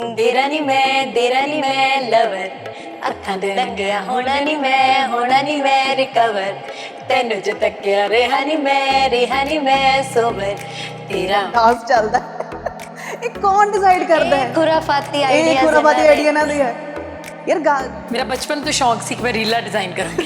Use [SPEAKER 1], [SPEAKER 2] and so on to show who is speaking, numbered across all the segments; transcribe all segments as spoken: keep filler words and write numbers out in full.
[SPEAKER 1] तेरा नी मैं तेरा नी मैं लवर अखां दे रंगिया होना नी मैं होना नी मैं रिकवर तेनू जो तकिया रेहा नी मैं रेहा नी मैं सोबर तेरा
[SPEAKER 2] डांस ਚੱਲਦਾ ਇਹ ਕੌਣ ਡਿਸਾਈਡ ਕਰਦਾ ਹੈ?
[SPEAKER 1] खुराफाती
[SPEAKER 2] ਇਹ
[SPEAKER 1] आइडिया
[SPEAKER 2] ਖੁਰਾਬਾਦੀ ਆਈਡੀਆ ਇਹਨਾਂ ਦੀ ਹੈ ਯਾਰ ਗਾ
[SPEAKER 3] मेरा बचपन तो शौक सी कि मैं रीला डिजाइन करूंगी।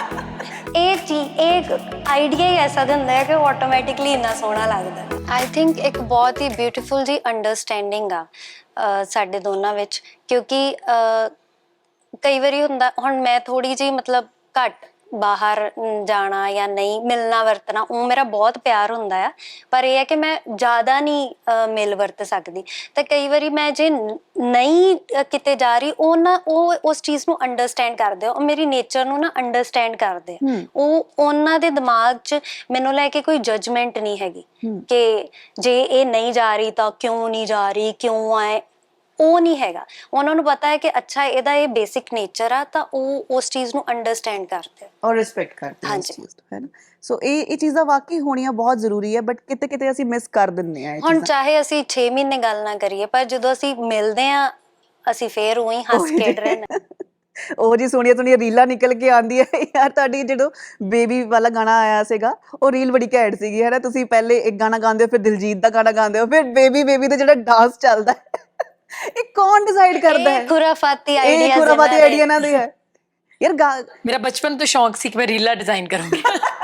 [SPEAKER 1] ਇਹ ਚੀਜ਼ ਇੱਕ ਆਈਡੀਆ ਹੀ ਐਸਾ ਦਾ ਹੁੰਦਾ ਹੈ ਕਿ ਆਟੋਮੈਟਿਕਲੀ ਇੰਨਾ ਸੋਹਣਾ ਲੱਗਦਾ। ਆਈ ਥਿੰਕ ਇੱਕ ਬਹੁਤ ਹੀ ਬਿਊਟੀਫੁਲ ਜੀ ਅੰਡਰਸਟੈਂਡਿੰਗ ਆ ਅਹ ਸਾਡੇ ਦੋਨਾਂ ਵਿੱਚ, ਕਿਉਂਕਿ ਅਹ ਕਈ ਵਾਰੀ ਹੁੰਦਾ ਹੁਣ ਮੈਂ ਥੋੜੀ ਜਿਹੀ ਮਤਲਬ ਘੱਟ ਬਾਹਰ ਜਾਣਾ ਜਾਂ ਨਹੀਂ ਮਿਲਣਾ ਵਰਤਣਾ, ਉਹ ਮੇਰਾ ਬਹੁਤ ਪਿਆਰ ਹੁੰਦਾ ਆ, ਪਰ ਇਹ ਹੈ ਕਿ ਮੈਂ ਜ਼ਿਆਦਾ ਨਹੀਂ ਅਹ ਮਿਲ ਵਰਤ ਸਕਦੀ। ਤਾਂ ਕਈ ਵਾਰੀ ਮੈਂ ਜੇ ਨ- ਨਹੀਂ ਅਹ ਕਿਤੇ ਜਾ ਰਹੀ, ਉਹ ਨਾ ਉਹ ਉਸ ਚੀਜ਼ ਨੂੰ ਅੰਡਰਸਟੈਂਡ ਕਰਦੇ ਆ, ਉਹ ਮੇਰੀ ਨੇਚਰ ਨੂੰ ਨਾ ਅੰਡਰਸਟੈਂਡ ਕਰਦੇ ਆ। ਉਹ ਉਹਨਾਂ ਦੇ ਦਿਮਾਗ 'ਚ ਮੈਨੂੰ ਲੈ ਕੇ ਕੋਈ ਜਜਮੈਂਟ ਨਹੀਂ ਹੈਗੀ ਕਿ ਜੇ ਇਹ ਨਹੀਂ ਜਾ ਰਹੀ ਤਾਂ ਕਿਉਂ ਨਹੀਂ ਜਾ ਰਹੀ, ਕਿਉਂ ਆਏ, ਉਹ ਨਹੀਂ ਹੈਗਾ। ਉਹਨਾਂ ਨੂੰ ਪਤਾ ਹੈ ਕਿ ਅੱਛਾ ਇਹਦਾ ਇਹ ਬੇਸਿਕ ਨੇਚਰ ਆ, ਤਾਂ ਉਹ ਉਸ ਚੀਜ਼ ਨੂੰ ਅੰਡਰਸਟੈਂਡ ਕਰਦੇ ਆ।
[SPEAKER 2] ਔਰ ਰਿਸਪੈਕਟ ਕਰਦੇ ਹਾਂ ਇਸ
[SPEAKER 1] ਹਾਂਜੀ।
[SPEAKER 2] ਚੀਜ਼ ਤੋਂ, ਹੈ ਨਾ। ਸੋ ਇਹ ਇਹ ਚੀਜ਼ਾਂ ਵਾਕਈ ਹੋਣੀਆਂ ਬਹੁਤ ਜ਼ਰੂਰੀ ਹੈ, ਬਟ ਕਿਤੇ ਕਿਤੇ ਅਸੀਂ ਮਿਸ ਕਰ ਦਿੰਦੇ ਆ ਇਹ
[SPEAKER 1] ਹੁਣ
[SPEAKER 2] ਚੀਜ਼ਾਂ।
[SPEAKER 1] ਚਾਹੇ ਅਸੀਂ ਛੇ ਮਹੀਨੇ ਗੱਲ ਨਾ ਕਰੀਏ, ਪਰ ਜਦੋਂ ਅਸੀਂ ਮਿਲਦੇ ਆ ਅਸੀਂ ਫੇਰ ਉਹੀ ਹੱਸ ਖੇਡ ਰਹੇ ਨੇ।
[SPEAKER 2] ਉਹ ਜੀ ਸੋਹਣੀਆਂ ਸੋਹਣੀਆਂ ਰੀਲਾਂ ਨਿਕਲ ਕੇ ਆਉਂਦੀ ਹੈ ਯਾਰ। ਤੁਹਾਡੀ ਜਦੋਂ ਬੇਬੀ ਵਾਲਾ ਗਾਣਾ ਆਇਆ ਸੀਗਾ, ਉਹ ਰੀਲ ਬੜੀ ਘੈਂਟ ਸੀਗੀ, ਹੈ ਨਾ। ਤੁਸੀਂ ਪਹਿਲੇ ਇੱਕ ਗਾਣਾ ਗਾਉਂਦੇ ਹੋ, ਫਿਰ ਦਿਲਜੀਤ ਦਾ ਗਾਣਾ ਗਾਉਂਦੇ ਹੋ, ਫਿਰ ਬੇਬੀ ਬੇਬੀ ਤੇ ਜਿਹੜਾ ਡਾਂਸ ਚੱਲਦਾ ਹੈ, ਇਹ ਕੌਣ ਡਿਸਾਈਡ ਕਰਦਾ ਹੈ?
[SPEAKER 1] ਇਹ ਖੁਰਾਫਾਤੀ
[SPEAKER 2] ਇਹ
[SPEAKER 1] ਆਈਡੀਆ
[SPEAKER 2] ਖੁਰਾਬਾਦੀ ਆਈਡੀਆ ਇਹਨਾਂ ਦੀ ਹੈ ਯਾਰ। ਗਾ
[SPEAKER 3] मेरा बचपन तो शौक सी कि मैं रीला डिजाइन करूंगी।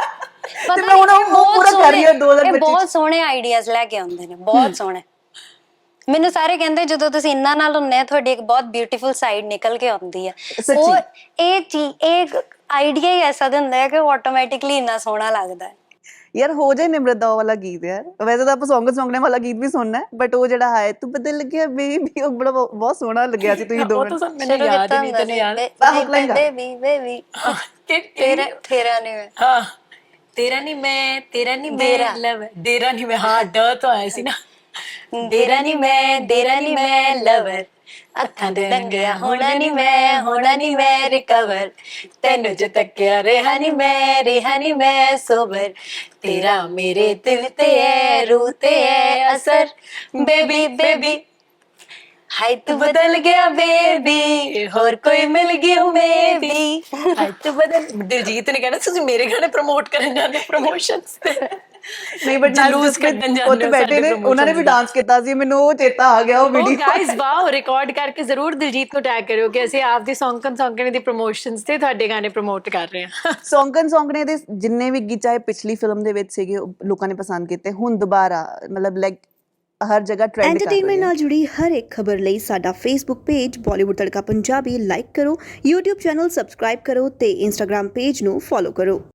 [SPEAKER 2] ਤੇ ਮੈਂ ਹੁਣ ਉਹ ਪੂਰਾ ਕਰ ਰਹੀ ਹਾਂ ਦੋ ਹਜ਼ਾਰ
[SPEAKER 1] ਇਹ
[SPEAKER 2] ਪੱਚੀ
[SPEAKER 1] ਬਹੁਤ ਸੋਹਣੇ ਆਈਡੀਆਜ਼ ਲੈ ਕੇ ਆਉਂਦੇ ਨੇ, ਬਹੁਤ ਸੋਹਣੇ। ਮੈਨੂੰ ਸਾਰੇ ਕਹਿੰਦੇ ਜਦੋਂ ਤੁਸੀਂ ਇੰਨਾ ਨਾਲ ਹੁੰਨੇ ਆ, ਤੁਹਾਡੀ ਇੱਕ ਬਹੁਤ ਬਿਊਟੀਫੁਲ ਸਾਈਡ ਨਿਕਲ ਕੇ ਆਉਂਦੀ ਹੈ।
[SPEAKER 2] ਸੱਚੀ।
[SPEAKER 1] ਉਹ ਇਹ ਚੀਜ਼ ਇੱਕ ਆਈਡੀਆ ਹੀ ਐਸਾ ਦਾ ਹੁੰਦਾ ਹੈ ਕਿ ਆਟੋਮੈਟਿਕਲੀ ਇੰਨਾ ਸੋਹਣਾ ਲੱਗਦਾ ਹੈ।
[SPEAKER 2] ਯਾਰ ਹੋ ਜਾਏ ਨਿਮਰਤ ਦਾ ਉਹ ਵਾਲਾ ਗੀਤ ਯਾਰ। ਵੈਸੇ ਤਾਂ ਆਪਾਂ ਸੌਂਗ ਸੌਂਗਣੇ ਵਾਲਾ ਗੀਤ ਵੀ ਸੁਣਨਾ ਹੈ, ਬਟ ਉਹ ਜਿਹੜਾ ਹੈ ਤੂੰ ਬਦਲ ਗਿਆ ਬੇਬੀ, ਉਹ ਬੜਾ ਬਹੁਤ ਸੋਹਣਾ ਲੱਗਿਆ ਸੀ। ਤੁਸੀਂ ਦੋ
[SPEAKER 3] वो तो सब मैंने
[SPEAKER 1] ਸ਼ੁਰੂ
[SPEAKER 3] याद
[SPEAKER 1] ਕੀਤਾ
[SPEAKER 3] ही नहीं,
[SPEAKER 1] ਹੁੰਦਾ
[SPEAKER 3] तेने
[SPEAKER 1] ਸੀ,
[SPEAKER 3] याद
[SPEAKER 1] ਬੇ-
[SPEAKER 2] ਆਹ ਹੁਕਲਾਂ ਗਾ।
[SPEAKER 1] ਬੇਬੀ ਬੇਬੀ
[SPEAKER 3] के-
[SPEAKER 1] ਤੇਰਾ ਤੇਰਾ ਨਹੀਂ ਮੈਂ
[SPEAKER 3] हाँ तेरा नहीं मैं तेरा नहीं मैं
[SPEAKER 1] डेरा।
[SPEAKER 3] लव डेरा नहीं मैं, हाँ ड तो आया सी ना।
[SPEAKER 1] ਦੇਰਾ ਨਹੀਂ ਮੈਂ ਦੇਰਾ ਨਹੀਂ ਮੈਂ ਲਵਰ ਅੱਖਾਂ ਦੇ ਰੰਗਿਆ ਹੋਣਾ ਨਹੀਂ ਮੈਂ ਹੋਣਾ ਨਹੀਂ ਮੈਂ ਰਿਕਵਰ ਤੈਨੂੰ ਜੋ ਤੱਕਿਆ ਰਿਹਾ ਨਹੀਂ ਮੈਂ ਰਿਹਾ ਨਹੀਂ ਮੈਂ ਸੋਬਰ ਤੇਰਾ ਮੇਰੇ ਦਿਲ ਤੇ ਹੈ ਰੂਹ ਤੇ ਹੈ ਅਸਰ ਬੇਬੀ ਬੇਬੀ ਹਾਈ ਤੂੰ ਬਦਲ ਗਿਆ ਬੇਬੀ ਹੋਰ ਕੋਈ ਮਿਲ ਗਿਆ ਮੇਬੀ
[SPEAKER 3] हाय तो बदल दिलजीत ने कहना तुसी मेरे गाने प्रमोट करन जांदे प्रमोशंस ते
[SPEAKER 2] ਨਹੀਂ ਬਟ
[SPEAKER 3] ਜਲੂਸ ਕੱਢਣ ਜਾਂਦੇ
[SPEAKER 2] ਉੱਥੇ
[SPEAKER 3] ਹੋ
[SPEAKER 2] ਬੈਠੇ
[SPEAKER 3] ਸਾਡੇ
[SPEAKER 2] ਨੇ, ਉਹਨਾਂ ਨੇ ਵੀ
[SPEAKER 3] promotions ਦਾ।
[SPEAKER 2] ਡਾਂਸ ਕੀਤਾ ਸੀ, ਮੈਨੂੰ ਉਹ ਚੇਤਾ ਆ ਗਿਆ ਉਹ
[SPEAKER 3] ओ
[SPEAKER 2] ਵੀਡੀਓ।
[SPEAKER 3] गाइस वाओ, रिकॉर्ड करके जरूर दिलजीत ਨੂੰ ਟੈਗ ਕਰਿਓ ਕਿ ਅਸੀਂ ਆਪਦੀ ਸੌਂਕਣ ਸੌਂਕਣੇ ਦੀ ਪ੍ਰੋਮੋਸ਼ਨਸ ਤੇ ਤੁਹਾਡੇ ਗਾਣੇ ਪ੍ਰਮੋਟ ਕਰ ਰਹੇ ਹਾਂ।
[SPEAKER 2] ਸੌਂਕਣ ਸੌਂਕਣੇ ਦੇ ਜਿੰਨੇ ਵੀ ਗੀਤ ਚਾਹੇ ਪਿਛਲੀ ਫਿਲਮ ਦੇ ਵਿੱਚ ਸੀਗੇ, ਉਹ ਲੋਕਾਂ ਨੇ ਪਸੰਦ ਕੀਤੇ। ਹੁਣ ਦੁਬਾਰਾ ਮਤਲਬ ਲਾਈਕ ਹਰ ਜਗ੍ਹਾ ਟ੍ਰੈਂਡ ਕਰ ਰਹੀ
[SPEAKER 4] ਐਂਟਰਟੇਨਮੈਂਟ
[SPEAKER 2] ਹੈ।
[SPEAKER 4] ਨਾਲ ਜੁੜੀ ਹਰ ਇੱਕ ਖਬਰ ਲਈ ਸਾਡਾ Facebook page Bollywood Tadka Punjabi like ਕਰੋ, YouTube ਚੈਨਲ ਸਬਸਕ੍ਰਾਈਬ ਕਰੋ ਤੇ Instagram ਪੇਜ ਨੂੰ ਫੋਲੋ ਕਰੋ।